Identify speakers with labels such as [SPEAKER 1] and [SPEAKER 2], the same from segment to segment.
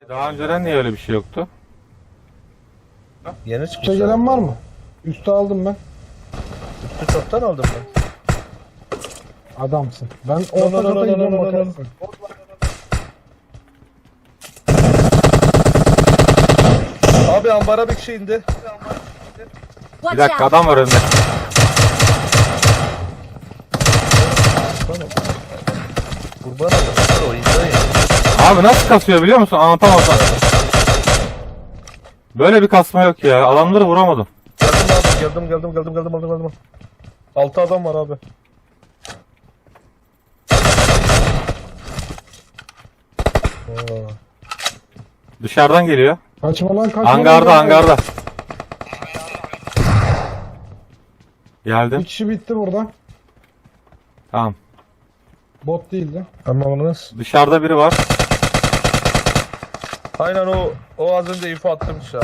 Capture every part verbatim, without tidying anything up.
[SPEAKER 1] Daha önceden niye öyle bir şey yoktu?
[SPEAKER 2] Yeni çıkmış.
[SPEAKER 3] Üste gelen var mı? Üste aldım ben.
[SPEAKER 2] Üstü çoktan aldım ben.
[SPEAKER 3] Adamsın. Ben
[SPEAKER 2] No,
[SPEAKER 3] orta
[SPEAKER 2] no, no,
[SPEAKER 3] kata
[SPEAKER 2] no, no,
[SPEAKER 3] gidiyorum
[SPEAKER 2] no, no, no.
[SPEAKER 3] bakarsın.
[SPEAKER 2] Abi ambara bir kişi indi.
[SPEAKER 1] Bir
[SPEAKER 4] Watch
[SPEAKER 1] dakika
[SPEAKER 4] out!
[SPEAKER 1] adam var önünde.
[SPEAKER 2] Kurban adam. O indi.
[SPEAKER 1] Abi nasıl kasıyor biliyor musun? Anlatamazsam. Böyle bir kasma yok ya. Adamları vuramadım.
[SPEAKER 2] Geldim abi. Geldim geldim geldim geldim geldim geldim. Altı adam var abi. Oo.
[SPEAKER 1] Dışarıdan geliyor.
[SPEAKER 3] Kaçma lan kaçma.
[SPEAKER 1] Hangarda
[SPEAKER 3] lan.
[SPEAKER 1] hangarda.
[SPEAKER 3] Bir
[SPEAKER 1] Geldim.
[SPEAKER 3] kişi bitti burada.
[SPEAKER 1] Tamam.
[SPEAKER 3] Bot değildi.
[SPEAKER 2] Anlamadınız.
[SPEAKER 1] Dışarıda biri var.
[SPEAKER 2] Aynen o o az önce info attım işte abi.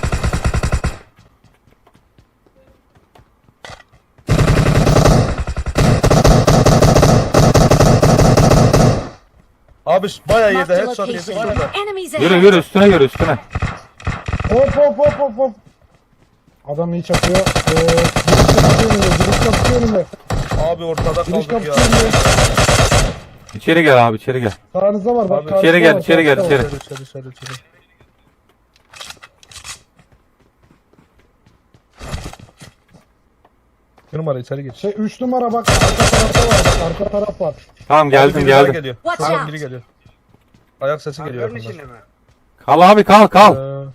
[SPEAKER 2] Abi bayağı yedi
[SPEAKER 4] Marked a
[SPEAKER 2] headshot yedi
[SPEAKER 4] location.
[SPEAKER 2] şurada.
[SPEAKER 4] Enemies
[SPEAKER 1] Yürü
[SPEAKER 4] ahead!
[SPEAKER 1] yürü üstüne yürü üstüne.
[SPEAKER 3] Hop hop hop hop hop. Adam iyi çakıyor. Ee, giriş kapısı önünde. Giriş kapısı önünde.
[SPEAKER 2] Abi ortada
[SPEAKER 3] Giriş
[SPEAKER 2] kaldık ya.
[SPEAKER 3] kapısı önünde.
[SPEAKER 1] İçeri gel abi içeri gel.
[SPEAKER 3] Sağınızda var bak.
[SPEAKER 2] Abi,
[SPEAKER 3] karşıda
[SPEAKER 1] içeri gel,
[SPEAKER 3] var,
[SPEAKER 1] içeri gel,
[SPEAKER 3] karşıda var.
[SPEAKER 1] içeri.
[SPEAKER 2] İçeri içeri içeri. Bir numara içeri geç.
[SPEAKER 3] Şey üç numara bak. Arka tarafta var bak. Arka taraf var.
[SPEAKER 1] Tamam
[SPEAKER 2] Abi
[SPEAKER 1] geldim
[SPEAKER 2] biri daha
[SPEAKER 1] geldim.
[SPEAKER 2] Geliyor.
[SPEAKER 4] Watch
[SPEAKER 2] Şuradan
[SPEAKER 4] out.
[SPEAKER 2] biri geliyor. Ayak sesi geliyor.
[SPEAKER 5] Hangarın
[SPEAKER 2] yakından.
[SPEAKER 5] içinde mi?
[SPEAKER 1] Kal abi kal kal.
[SPEAKER 2] Ee,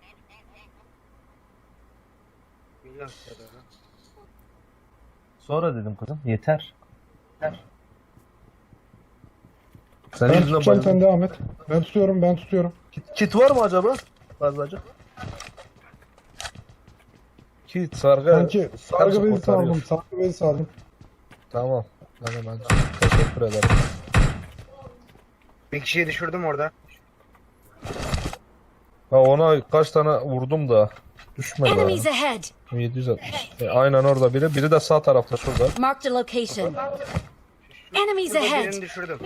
[SPEAKER 5] Bilmiyorum ya da.
[SPEAKER 2] Sonra dedim kızım yeter. Yeter. Senin
[SPEAKER 3] Ben
[SPEAKER 2] yüzünden
[SPEAKER 3] tutacağım sen
[SPEAKER 2] bayıldım.
[SPEAKER 3] devam et. Ben tutuyorum ben tutuyorum.
[SPEAKER 2] Kit, kit var mı acaba? Fazlacık. Kit, sargı.
[SPEAKER 3] Sanki sargı bezi
[SPEAKER 2] kurtarıyor.
[SPEAKER 3] saldım. Sargı bezi saldım.
[SPEAKER 2] Tamam. Ben hemen teşekkür ederim.
[SPEAKER 5] Bir kişiyi düşürdüm orada.
[SPEAKER 2] Ha ona kaç tane vurdum da düşmedi.
[SPEAKER 4] Enemies
[SPEAKER 2] ha.
[SPEAKER 4] ahead!
[SPEAKER 2] yedi yüz altmış. E, aynen orada biri. Biri de sağ tarafta şurada.
[SPEAKER 4] Marked a location. Enemies
[SPEAKER 5] Şurada
[SPEAKER 4] ahead!
[SPEAKER 5] birini düşürdüm.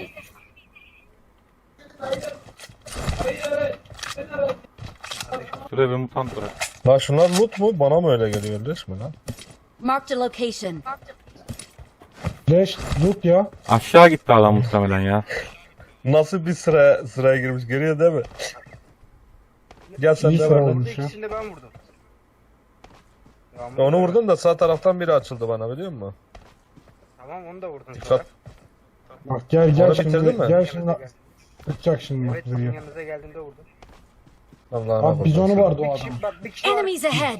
[SPEAKER 1] Şuraya bir mutant bırak.
[SPEAKER 2] Lan şunlar loot mu? Bana mı öyle geliyor resmen lan?
[SPEAKER 4] Marked a location.
[SPEAKER 3] Leş loot ya.
[SPEAKER 1] Aşağı gitti adam muhtemelen ya.
[SPEAKER 2] Nasıl bir sıra sıraya girmiş görüyor değil mi? Gel sen
[SPEAKER 3] İyi
[SPEAKER 2] de
[SPEAKER 3] sıra
[SPEAKER 2] bana.
[SPEAKER 3] olmuş.
[SPEAKER 5] İkisini de ben vurdum. Tamam,
[SPEAKER 2] Onu vurdum da sağ taraftan biri açıldı bana biliyor musun?
[SPEAKER 5] Tamam onu da vurdun
[SPEAKER 2] Dikkat.
[SPEAKER 5] sonra.
[SPEAKER 3] Bak gel gel
[SPEAKER 2] Onu
[SPEAKER 3] şimdi.
[SPEAKER 2] bitirdin mi?
[SPEAKER 3] Gel şimdi. Tutacak şimdi bak
[SPEAKER 5] Evet sizin
[SPEAKER 3] vuruyor.
[SPEAKER 5] yanınıza geldiğimde vurdum.
[SPEAKER 2] Allah'ına
[SPEAKER 3] Abi bizonu vardı o
[SPEAKER 5] Bir
[SPEAKER 3] adam.
[SPEAKER 5] kişi, bak bir kişi var.
[SPEAKER 4] Enemies ahead!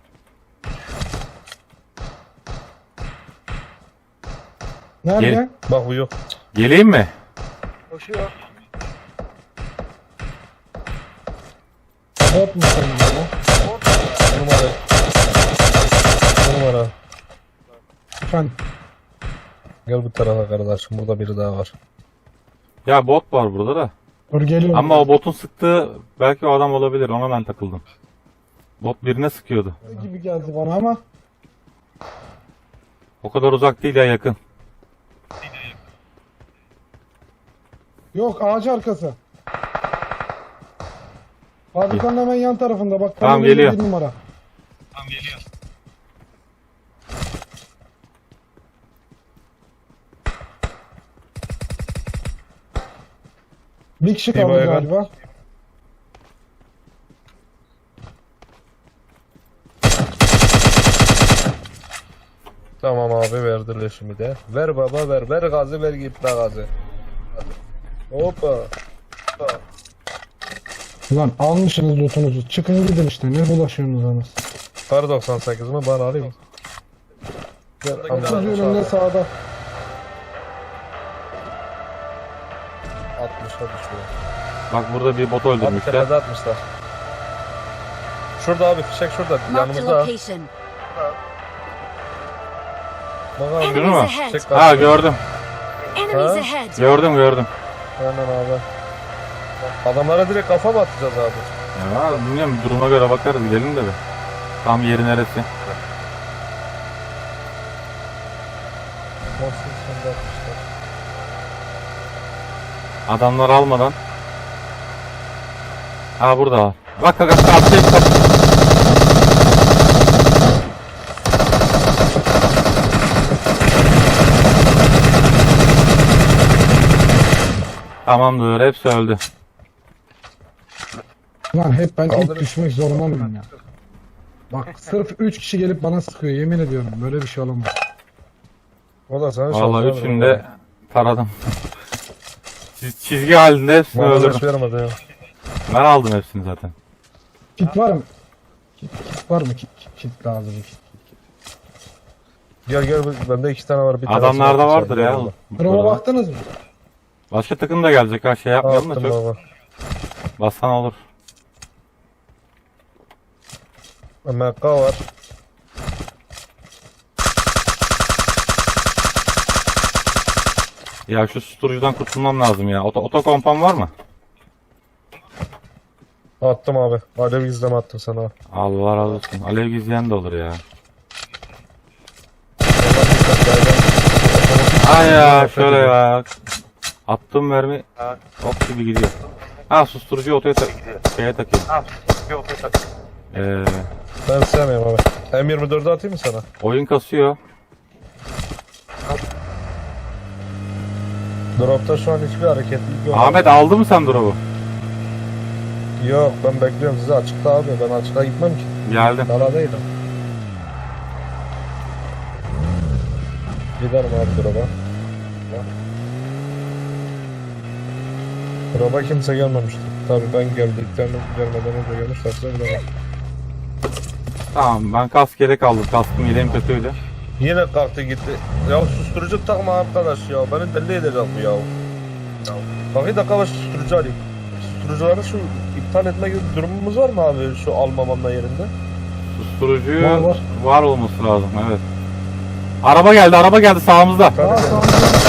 [SPEAKER 3] Nerede?
[SPEAKER 1] Gel.
[SPEAKER 2] Bak bu yok.
[SPEAKER 1] Geleyim mi?
[SPEAKER 5] Koşuyor.
[SPEAKER 3] Bot mu senin bu?
[SPEAKER 2] Bu numara. Bu numara.
[SPEAKER 3] Efendim.
[SPEAKER 2] Gel bu tarafa kardeşim. Burada biri daha var.
[SPEAKER 1] Ya bot var burada da.
[SPEAKER 3] Dur geliyorum.
[SPEAKER 1] Ama o botun sıktığı belki o adam olabilir. Ona ben takıldım. Bot birine sıkıyordu.
[SPEAKER 3] gibi geldi bana ama.
[SPEAKER 1] O kadar uzak değil ya yakın.
[SPEAKER 3] Yok ağaç arkası. Fabrikanın hemen yan tarafında bak.
[SPEAKER 1] Tamam,
[SPEAKER 3] kamera
[SPEAKER 1] geliyor.
[SPEAKER 3] bir numara. Bir kişi kaldı
[SPEAKER 2] bayağı-
[SPEAKER 3] galiba.
[SPEAKER 2] Tamam abi verdi leşimi de. Ver baba ver. Ver gazı ver git be gazı. Hoppa. Hoppa.
[SPEAKER 3] Lan almışsınız lootunuzu. Çıkın gidin işte. Ne bulaşıyorsunuz anasını.
[SPEAKER 2] Kar doksan sekiz mi? Bana alayım. Gel,
[SPEAKER 3] Otuz
[SPEAKER 2] amca,
[SPEAKER 3] yönünde sağda.
[SPEAKER 2] altmışa düşüyor.
[SPEAKER 1] Bak burada bir bot
[SPEAKER 2] Abi
[SPEAKER 1] öldürmüşler.
[SPEAKER 2] tepede atmışlar. Şurada abi fişek şurada
[SPEAKER 4] Marked a
[SPEAKER 2] yanımızda.
[SPEAKER 4] location.
[SPEAKER 2] Bak abi.
[SPEAKER 1] Şunu
[SPEAKER 4] Enemies
[SPEAKER 1] mu?
[SPEAKER 4] ahead!
[SPEAKER 2] Fişek
[SPEAKER 1] Ha
[SPEAKER 2] var.
[SPEAKER 1] gördüm.
[SPEAKER 4] Enemies
[SPEAKER 2] Ha?
[SPEAKER 4] ahead!
[SPEAKER 1] Gördüm gördüm.
[SPEAKER 2] Aynen abi. Adamlara direkt kafa mı atacağız abi?
[SPEAKER 1] Ya bilmiyorum duruma göre bakarız gidelim de be. Tam yeri neresi?
[SPEAKER 2] Nasıl sen de atmışlar.
[SPEAKER 1] Adamlar almadan. Ha burada var. Bak bak bak arkaya bak. Tamamdır, hepsi öldü.
[SPEAKER 3] Lan hep ben
[SPEAKER 2] Kaldırın.
[SPEAKER 3] ilk düşmek zorunda mıyım ya? Bak sırf üç kişi gelip bana sıkıyor, yemin ediyorum böyle bir şey olamaz.
[SPEAKER 2] O da sana
[SPEAKER 1] Vallahi
[SPEAKER 2] şans
[SPEAKER 1] üçünü de taradım. Çiz- Çizgi halinde hepsini
[SPEAKER 2] Bana
[SPEAKER 1] öldürdüm.
[SPEAKER 2] hiç vermedi ya.
[SPEAKER 1] Ben aldım hepsini zaten.
[SPEAKER 3] Kit var mı? Kit, kit var mı? Kit, kit, kit lazım. Kit.
[SPEAKER 2] Gel gel bende iki tane var. Bir tanesini
[SPEAKER 1] Adamlarda
[SPEAKER 2] attım
[SPEAKER 1] vardır
[SPEAKER 2] sana.
[SPEAKER 1] ya.
[SPEAKER 2] Eyvallah.
[SPEAKER 3] Drop'a baktınız mı?
[SPEAKER 1] Başka takım da gelecek ha, şey yapmayalım da
[SPEAKER 2] Attım
[SPEAKER 1] çok.
[SPEAKER 2] baba.
[SPEAKER 1] Bassan olur.
[SPEAKER 2] M K var.
[SPEAKER 1] Ya şu susturucudan kurtulmam lazım ya. Oto, otokompan var mı?
[SPEAKER 2] Attım abi. Alev izleme attım sana.
[SPEAKER 1] Allah razı olsun. Alev gizleyen de olur ya. Ay ya şöyle ya. Attığım mermi ok gibi gidiyor. Ha susturucu otoya tak şeye takayım. Ee,
[SPEAKER 2] Ben sevmiyorum abi. M yirmi dördü atayım mı sana?
[SPEAKER 1] oyun kasıyor.
[SPEAKER 2] Drop'ta şu an hiçbir hareketlilik yok.
[SPEAKER 1] Ahmet aldı mı sen drop'u?
[SPEAKER 2] Yok ben bekliyorum sizi açıkta abi. Ben açıkta gitmem ki.
[SPEAKER 1] Geldim.
[SPEAKER 2] Daladaydım. Giderim abi drop'a. Drop'a kimse gelmemişti. Tabii ben geldiklerini gelmeden önce gelmişlerse bilemem.
[SPEAKER 1] Tamam ben kask yedek aldım. Kaskım yedeğim kötüydü.
[SPEAKER 2] Yine kalktı gitti. Ya susturucu takma arkadaş ya. Beni deli edecek bu ya. Bak bir dakika ben susturucu alayım. Susturucuları şu iptal etme gibi bir durumumuz var mı abi şu almamamla yerinde?
[SPEAKER 1] Susturucu
[SPEAKER 3] Var, var.
[SPEAKER 1] var olması lazım, evet. Araba geldi, araba geldi sağımızda.
[SPEAKER 3] Aa, tamam, tamam.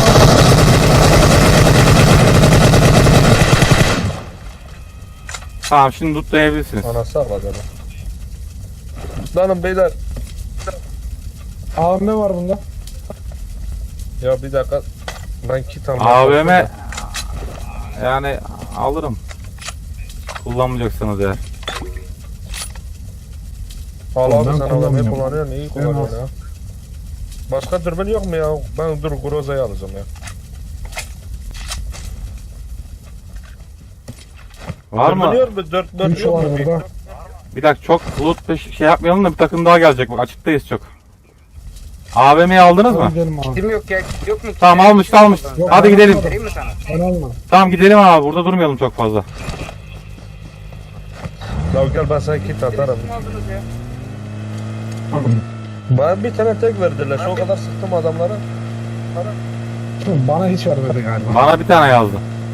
[SPEAKER 1] Tamam şimdi lootlayabilirsiniz.
[SPEAKER 2] Anası ağladı adam. Lanım beyler.
[SPEAKER 3] A V M var bunda.
[SPEAKER 2] Ya bir dakika. Ben kit almam.
[SPEAKER 1] A V M yani alırım. Kullanmayacaksınız eğer.
[SPEAKER 2] Al abi
[SPEAKER 3] Ben
[SPEAKER 2] sen A V M'yi
[SPEAKER 3] kullanmıyorum.
[SPEAKER 2] kullanıyorsun. İyi kullanıyorsun ya. Başka dürbün yok mu ya? Ben dur Groza'yı alacağım ya.
[SPEAKER 1] Var mı?
[SPEAKER 2] Dürbün yok mu? dört dört
[SPEAKER 3] üç
[SPEAKER 2] yok
[SPEAKER 3] var
[SPEAKER 2] mu?
[SPEAKER 3] burada.
[SPEAKER 1] Bir dakika çok loot peş- şey yapmayalım da bir takım daha gelecek. Bak açıktayız çok. A V M'yi aldınız mı?
[SPEAKER 3] Hadi gidelim abi.
[SPEAKER 5] Kim yok ya? Yok mu?
[SPEAKER 1] Tamam almış almış.
[SPEAKER 3] Yok,
[SPEAKER 1] Hadi
[SPEAKER 3] ben
[SPEAKER 1] gidelim.
[SPEAKER 3] almadım.
[SPEAKER 5] Vereyim mi sana?
[SPEAKER 3] Ben almadım.
[SPEAKER 1] Tamam gidelim abi, burada durmayalım çok fazla.
[SPEAKER 2] Ya gel ben sana kit atarım.
[SPEAKER 5] Kim aldınız ya?
[SPEAKER 2] Bana bir tane tek verdiler. Şu kadar sıktım adamlara.
[SPEAKER 3] Bana hiç vermedi galiba.
[SPEAKER 1] Bana bir tane yazdı.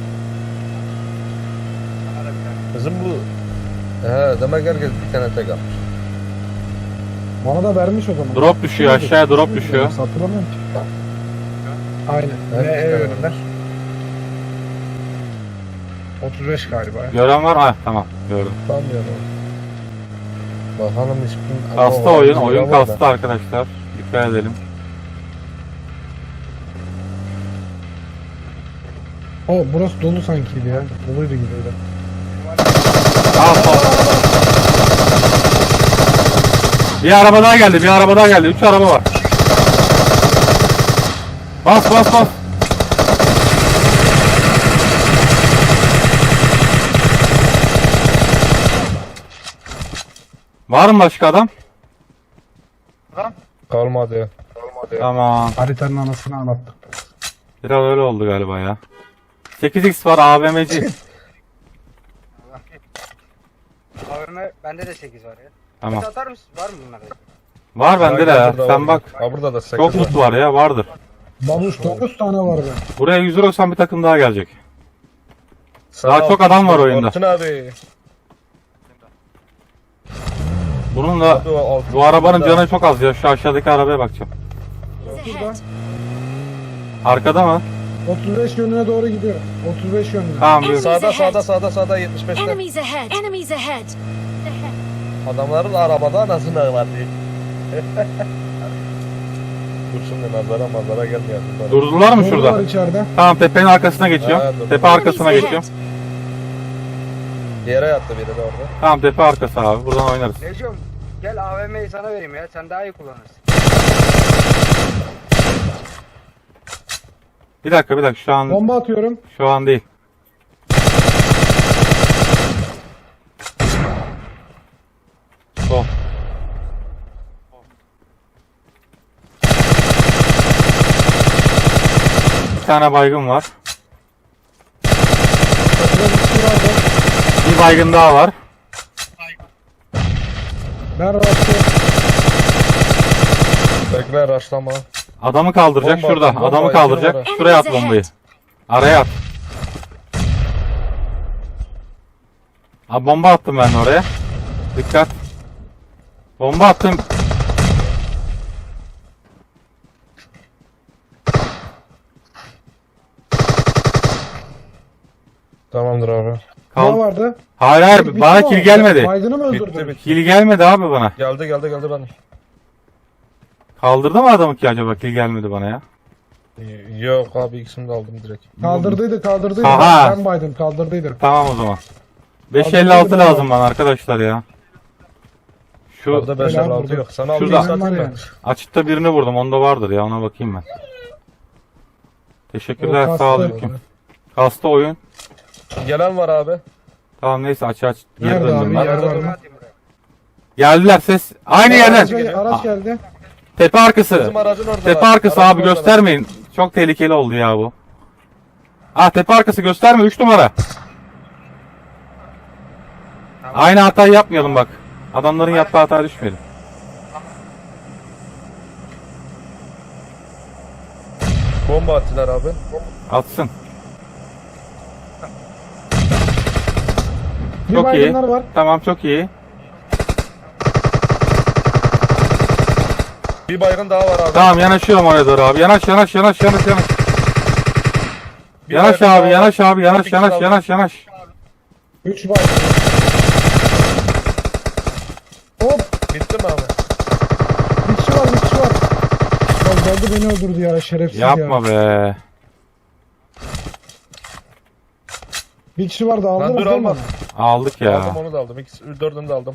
[SPEAKER 5] Bana da bir tane.
[SPEAKER 2] Bizim bu... He demek herkes bir tane tek almış.
[SPEAKER 3] Bana da vermiş o zaman.
[SPEAKER 1] Drop düşüyor, aşağıya drop düşüyor.
[SPEAKER 3] Hatırlamıyorum ki. Aynen.
[SPEAKER 2] Evet,
[SPEAKER 3] Ne
[SPEAKER 2] evet.
[SPEAKER 3] önümler? otuz beş galiba. ya.
[SPEAKER 1] Gören var mı? Ha, tamam gördüm.
[SPEAKER 2] Sanmıyorum. Bakalım hiçbir...
[SPEAKER 1] Kastı
[SPEAKER 2] Ama
[SPEAKER 1] oyun,
[SPEAKER 2] o-
[SPEAKER 1] oyun
[SPEAKER 2] var da.
[SPEAKER 1] kastı arkadaşlar. Dikkat edelim.
[SPEAKER 3] O burası dolu sankiydi ya. Doluydu gibiydi.
[SPEAKER 1] Al, al. Bir araba daha geldi, bir araba daha geldi. Üç araba var. Bas bas bas. Var mı başka adam?
[SPEAKER 2] Kalmadı ya. Kalmadı ya.
[SPEAKER 1] Tamam.
[SPEAKER 3] Haritanın anasını anlattık.
[SPEAKER 1] Biraz öyle oldu galiba ya. sekiz x var A V M'ci.
[SPEAKER 5] A V M bende de sekiz var ya.
[SPEAKER 1] Tamam.
[SPEAKER 5] Kit atar mısın? Var mı bunlarda?
[SPEAKER 1] Var bende de ya.
[SPEAKER 2] Burada
[SPEAKER 1] Sen
[SPEAKER 2] var.
[SPEAKER 1] bak.
[SPEAKER 2] Ha burada da sekiz
[SPEAKER 1] Çok
[SPEAKER 2] var.
[SPEAKER 1] loot var ya, vardır.
[SPEAKER 3] Babuş dokuz tane vardı.
[SPEAKER 1] Buraya yüz doksan bir takım daha gelecek.
[SPEAKER 2] Sağ
[SPEAKER 1] Daha
[SPEAKER 2] ol.
[SPEAKER 1] çok adam var oyunda.
[SPEAKER 2] Orçun abi.
[SPEAKER 1] Bunun da
[SPEAKER 2] Hadi o altı-
[SPEAKER 1] bu arabanın canı çok az ya. Şu aşağıdaki arabaya bakacağım.
[SPEAKER 4] Ahead.
[SPEAKER 1] Arkada mı?
[SPEAKER 3] otuz beş yönüne doğru gidiyor. otuz beş yönüne.
[SPEAKER 1] Tamam. bir-
[SPEAKER 2] Sağda sağda sağda sağda yetmiş beşte.
[SPEAKER 4] Enemies ahead. Enemies ahead.
[SPEAKER 2] Adamların arabada anasını ağladı. Dur şimdi nazara mazara gelmeyelim.
[SPEAKER 1] Durdular mı
[SPEAKER 3] Var
[SPEAKER 1] şurada?
[SPEAKER 3] içeride.
[SPEAKER 1] Tamam tepenin arkasına geçiyorum.
[SPEAKER 2] Ha, dur.
[SPEAKER 1] Tepe arkasına
[SPEAKER 4] Enemies
[SPEAKER 1] geçiyorum.
[SPEAKER 4] ahead.
[SPEAKER 2] Yere yattı biri de orada.
[SPEAKER 1] Tamam tepe arkası abi. Buradan oynarız.
[SPEAKER 5] Necum gel A V M'yi sana vereyim ya. Sen daha iyi kullanırsın.
[SPEAKER 1] Bir dakika bir dakika şu an
[SPEAKER 3] Bomba atıyorum.
[SPEAKER 1] şu an değil. Sol. Bir tane baygın var.
[SPEAKER 3] Şurada bir kişi vardı.
[SPEAKER 1] Bir baygın daha var.
[SPEAKER 3] Ben rastlıyorum.
[SPEAKER 2] Bekle raşlama.
[SPEAKER 1] Adamı kaldıracak
[SPEAKER 2] Bomba
[SPEAKER 1] şurada.
[SPEAKER 2] atın, bomba
[SPEAKER 1] Adamı
[SPEAKER 2] atın,
[SPEAKER 1] kaldıracak.
[SPEAKER 2] numara.
[SPEAKER 1] Şuraya at bombayı. Araya at. Abi bomba attım ben de oraya. Dikkat. Bomba attım.
[SPEAKER 2] Tamamdır abi.
[SPEAKER 3] Ne
[SPEAKER 1] Kal.
[SPEAKER 3] vardı?
[SPEAKER 1] Hayır hayır
[SPEAKER 3] Bitti
[SPEAKER 1] bana
[SPEAKER 3] mi
[SPEAKER 1] kill
[SPEAKER 3] o?
[SPEAKER 1] gelmedi.
[SPEAKER 3] Baygını mı
[SPEAKER 2] Bitti
[SPEAKER 3] öldürdün?
[SPEAKER 2] bitti.
[SPEAKER 1] Kill gelmedi abi bana.
[SPEAKER 2] Geldi geldi geldi ben.
[SPEAKER 1] Kaldırdı mı adamı ki acaba kill gelmedi bana ya?
[SPEAKER 2] Yok abi ikisini de aldım direkt.
[SPEAKER 3] Kaldırdıydı kaldırdıydı.
[SPEAKER 1] Aha.
[SPEAKER 3] Ben baydım kaldırdıydı.
[SPEAKER 1] Tamam o zaman. beş elli altı lazım bana arkadaşlar ya. Şu
[SPEAKER 2] Orada beş
[SPEAKER 3] Helal
[SPEAKER 2] altı
[SPEAKER 3] vurdu.
[SPEAKER 2] yok. Sana
[SPEAKER 1] Şurada.
[SPEAKER 2] altı satayım
[SPEAKER 3] Var
[SPEAKER 2] ben.
[SPEAKER 3] yani.
[SPEAKER 1] açıkta birini vurdum. Onda vardır ya ona bakayım ben. Teşekkürler
[SPEAKER 3] O
[SPEAKER 1] sağ olun.
[SPEAKER 3] kastı.
[SPEAKER 1] Kasta oyun.
[SPEAKER 2] Gelen var abi.
[SPEAKER 1] Tamam neyse aç aç. Geri
[SPEAKER 3] Nerede
[SPEAKER 1] döndüm
[SPEAKER 3] abi?
[SPEAKER 1] ben.
[SPEAKER 3] Yer var
[SPEAKER 5] Bomba
[SPEAKER 3] mı?
[SPEAKER 5] atayım buraya.
[SPEAKER 1] Geldiler ses. Aynı
[SPEAKER 3] Araç,
[SPEAKER 1] yerden.
[SPEAKER 3] gel- araç geldi.
[SPEAKER 1] Tepe arkası.
[SPEAKER 2] Bizim aracın orada.
[SPEAKER 1] Tepe arkası abi göstermeyin. Çok tehlikeli oldu ya bu. Ah tepe arkası gösterme üç numara. Aynı hatayı yapmayalım bak. Adamların yaptığı hataya düşmeyelim.
[SPEAKER 2] Bomba attılar abi.
[SPEAKER 1] Atsın.
[SPEAKER 3] Bir
[SPEAKER 1] Çok iyi.
[SPEAKER 3] baygınlar var.
[SPEAKER 1] Tamam çok iyi.
[SPEAKER 2] Bir baygın daha var abi.
[SPEAKER 1] Tamam yanaşıyorum oraya doğru abi. Yanaş yanaş yanaş yanaş yanaş.
[SPEAKER 2] Bir
[SPEAKER 1] Yanaş
[SPEAKER 2] baygın
[SPEAKER 1] abi
[SPEAKER 2] daha
[SPEAKER 1] yanaş
[SPEAKER 2] var.
[SPEAKER 1] abi yanaş
[SPEAKER 2] Bir
[SPEAKER 1] yanaş
[SPEAKER 2] kişi
[SPEAKER 1] yanaş yanaş.
[SPEAKER 3] Üç baygın. Hop.
[SPEAKER 2] Bitti mi abi?
[SPEAKER 3] Bir kişi var bir kişi var. Ya geldi beni öldürdü ya şerefsiz ya.
[SPEAKER 1] Yapma be.
[SPEAKER 3] Bir kişi vardı
[SPEAKER 2] Lan
[SPEAKER 3] aldınız
[SPEAKER 2] dur
[SPEAKER 3] değil mi?
[SPEAKER 2] alma.
[SPEAKER 1] Aldık ya.
[SPEAKER 2] Aldım onu da aldım. İkisi, dördünü de aldım.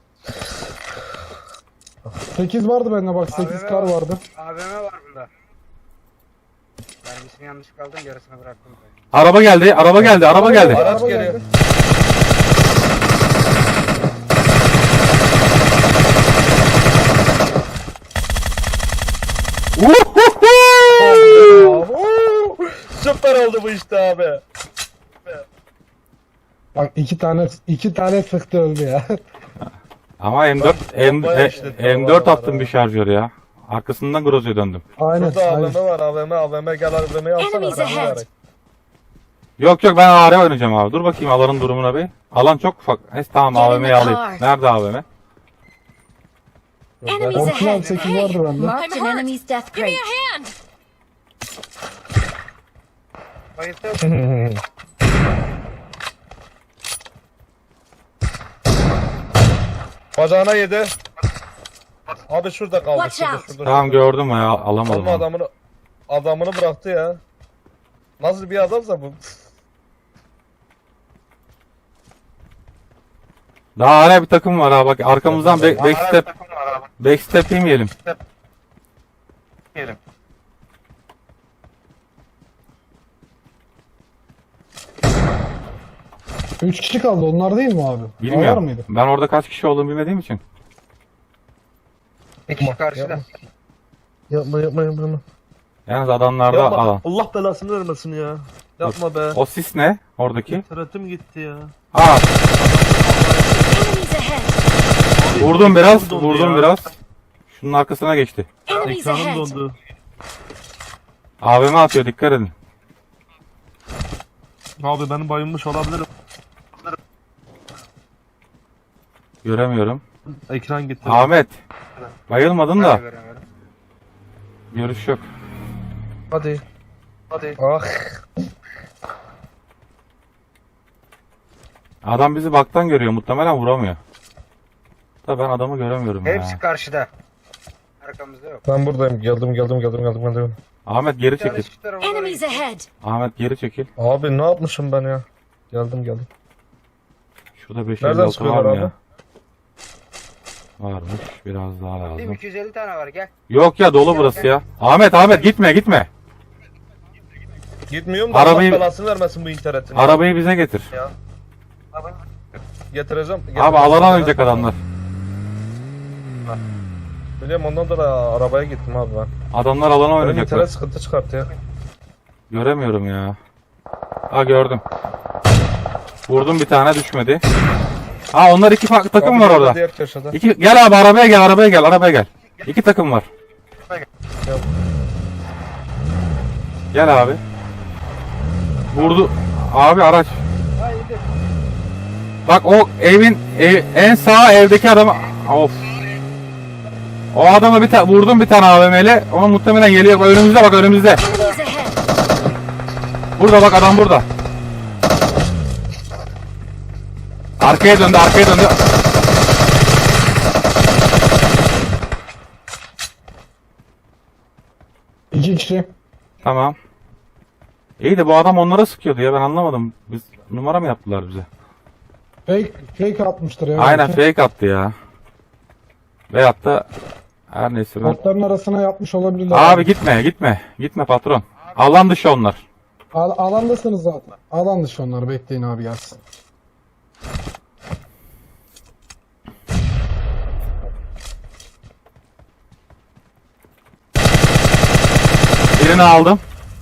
[SPEAKER 3] sekiz vardı bende bak sekiz kar vardı.
[SPEAKER 5] A V M var bunda. Vergisini yanlış kaldım yarısını bıraktım.
[SPEAKER 1] Araba geldi araba geldi araba geldi.
[SPEAKER 2] Araç
[SPEAKER 3] Araba
[SPEAKER 2] geliyor.
[SPEAKER 3] geldi.
[SPEAKER 1] Uhuhu!
[SPEAKER 2] Oo, süper oldu bu işte abi.
[SPEAKER 3] Bak iki tane iki tane sıktı öldü ya.
[SPEAKER 1] Ama M dört M,
[SPEAKER 2] Bombaya
[SPEAKER 1] e,
[SPEAKER 2] işletti
[SPEAKER 1] M dört
[SPEAKER 2] vallahi
[SPEAKER 1] attım
[SPEAKER 2] ya.
[SPEAKER 1] bir şarjör ya. Arkasından Groza'ya döndüm.
[SPEAKER 3] Aynen.
[SPEAKER 2] Burada
[SPEAKER 3] aynen.
[SPEAKER 2] A V M var. A V M A V M gel A V M'yi alsana.
[SPEAKER 4] Enemies
[SPEAKER 2] sen
[SPEAKER 4] ahead.
[SPEAKER 2] ver.
[SPEAKER 1] Yok yok ben A R oynayacağım abi. Dur bakayım alanın durumuna bir. Alan çok ufak. Neyse tamam
[SPEAKER 4] Get in
[SPEAKER 1] A V M'yi
[SPEAKER 4] the
[SPEAKER 1] alayım.
[SPEAKER 4] car.
[SPEAKER 1] Nerede A V M?
[SPEAKER 4] Enemies
[SPEAKER 3] Orkun abi
[SPEAKER 4] ahead.
[SPEAKER 3] sekiz vardı bende.
[SPEAKER 4] Marked an enemy's death crate. Give me a hand.
[SPEAKER 5] Bayıldı.
[SPEAKER 2] Bacağına yedi. Abi şurada kaldı.
[SPEAKER 4] Watch
[SPEAKER 2] Şurada,
[SPEAKER 4] out.
[SPEAKER 2] şurada,
[SPEAKER 1] Tamam
[SPEAKER 2] şurada.
[SPEAKER 1] gördüm ya alamadım.
[SPEAKER 2] Ama
[SPEAKER 1] onu.
[SPEAKER 2] adamını adamını bıraktı ya. Nasıl bir adamsa bu?
[SPEAKER 1] Daha hala bir takım var ha bak arkamızdan back, backstep backstep yemeyelim.
[SPEAKER 3] Üç kişi kaldı onlar değil mi abi? Var
[SPEAKER 1] Bilmiyorum.
[SPEAKER 3] mıydı?
[SPEAKER 1] Ben orada kaç kişi olduğunu bilmediğim için.
[SPEAKER 5] Bir kişi karşıda.
[SPEAKER 2] Yapma yapma yapma. yapma.
[SPEAKER 1] Yalnız adamlarda
[SPEAKER 2] Yapma.
[SPEAKER 1] alan.
[SPEAKER 2] Allah belasını vermesin ya. Yapma be.
[SPEAKER 1] O sis ne? Oradaki.
[SPEAKER 2] İnternetim gitti ya.
[SPEAKER 1] Aa
[SPEAKER 4] Enemies ahead.
[SPEAKER 1] vurdum biraz
[SPEAKER 2] Ekranım dondu
[SPEAKER 1] vurdum
[SPEAKER 2] ya.
[SPEAKER 1] biraz. Şunun arkasına geçti.
[SPEAKER 4] Enemies
[SPEAKER 2] Ekranım
[SPEAKER 4] ahead.
[SPEAKER 2] dondu.
[SPEAKER 1] A V M atıyor dikkat edin.
[SPEAKER 2] Abi benim bayılmış olabilirim.
[SPEAKER 1] Göremiyorum.
[SPEAKER 2] Ekran gitti.
[SPEAKER 1] Ahmet. Bayılmadın
[SPEAKER 5] Ben de
[SPEAKER 1] da.
[SPEAKER 5] göremiyorum.
[SPEAKER 1] Görüş yok.
[SPEAKER 2] Hadi. Hadi. Ah.
[SPEAKER 1] Adam bizi baktan görüyor. Muhtemelen vuramıyor. Da ben adamı göremiyorum
[SPEAKER 5] Hepsi
[SPEAKER 1] ya.
[SPEAKER 5] karşıda. Arkamızda yok.
[SPEAKER 2] Ben buradayım. Geldim geldim geldim geldim geldim.
[SPEAKER 1] Ahmet geri
[SPEAKER 5] Bir tane
[SPEAKER 1] çekil.
[SPEAKER 5] şu tarafa doğru
[SPEAKER 4] Enemies
[SPEAKER 5] gitti.
[SPEAKER 4] ahead.
[SPEAKER 1] Ahmet geri çekil.
[SPEAKER 2] Abi ne yapmışım ben ya? Geldim geldim.
[SPEAKER 1] Şurada beş
[SPEAKER 2] Nereden
[SPEAKER 1] elli altı var
[SPEAKER 2] sıkıyorlar
[SPEAKER 1] mı
[SPEAKER 2] abi?
[SPEAKER 1] ya? Varmış. Biraz daha
[SPEAKER 5] Değil mi?
[SPEAKER 1] lazım.
[SPEAKER 5] iki yüz elli tane var gel.
[SPEAKER 1] Yok ya dolu burası ya. Ahmet Ahmet gitme gitme.
[SPEAKER 2] Gitmiyorum da
[SPEAKER 1] Arabayı-
[SPEAKER 2] Allah belasını vermesin bu internetin.
[SPEAKER 1] Arabayı bize getir.
[SPEAKER 2] Ya. Getireceğim.
[SPEAKER 1] Abi
[SPEAKER 2] getireceğim.
[SPEAKER 1] alana oynayacak adamlar.
[SPEAKER 2] Biliyorum ondan da arabaya gittim abi ben.
[SPEAKER 1] Adamlar alana
[SPEAKER 2] Benim
[SPEAKER 1] oynayacaklar.
[SPEAKER 2] internet sıkıntı çıkarttı ya.
[SPEAKER 1] Göremiyorum ya. Ha gördüm. Vurdum bir tane düşmedi. Ha onlar iki farklı takım
[SPEAKER 2] Abi
[SPEAKER 1] var
[SPEAKER 2] orada
[SPEAKER 1] orada.
[SPEAKER 2] Diğer köşede.
[SPEAKER 1] İki, gel abi arabaya gel arabaya gel arabaya gel. İki takım var.
[SPEAKER 2] Gel.
[SPEAKER 1] Gel abi. Vurdu. Abi araç.
[SPEAKER 5] Haydi.
[SPEAKER 1] Bak o evin ev- en sağ evdeki adamı. Of. O adama bir ta- vurdum bir tane A V M'yle. Ama muhtemelen geliyor. Önümüzde bak önümüzde.
[SPEAKER 4] Enemies ahead.
[SPEAKER 1] Burada bak adam burada. Arkaya döndü arkaya döndü.
[SPEAKER 3] İki kişi.
[SPEAKER 1] Tamam. İyi de bu adam onlara sıkıyordu ya ben anlamadım. Biz numara mı yaptılar bize?
[SPEAKER 3] Fake, fake atmıştır ya.
[SPEAKER 1] Aynen
[SPEAKER 3] belki.
[SPEAKER 1] fake attı ya. Veyahut da her neyse ben...
[SPEAKER 3] Botların arasına yapmış olabilirler.
[SPEAKER 1] Abi gitme gitme. Gitme patron. Alan dışı onlar.
[SPEAKER 3] Al, alandasınız zaten. Alan dışı onlar. Bekleyin abi gelsin.
[SPEAKER 1] Birini aldım.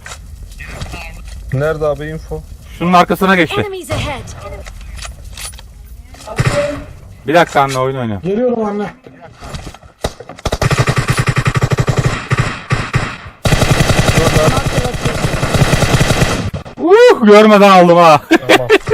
[SPEAKER 2] Nerede abi info?
[SPEAKER 1] Şunun arkasına geçti.
[SPEAKER 4] Enemies ahead.
[SPEAKER 1] Bir dakika anne oyun oynuyor.
[SPEAKER 3] Geliyorum anne.
[SPEAKER 4] Mark the location.
[SPEAKER 1] Uh, görmeden aldım ha.
[SPEAKER 2] Tamam.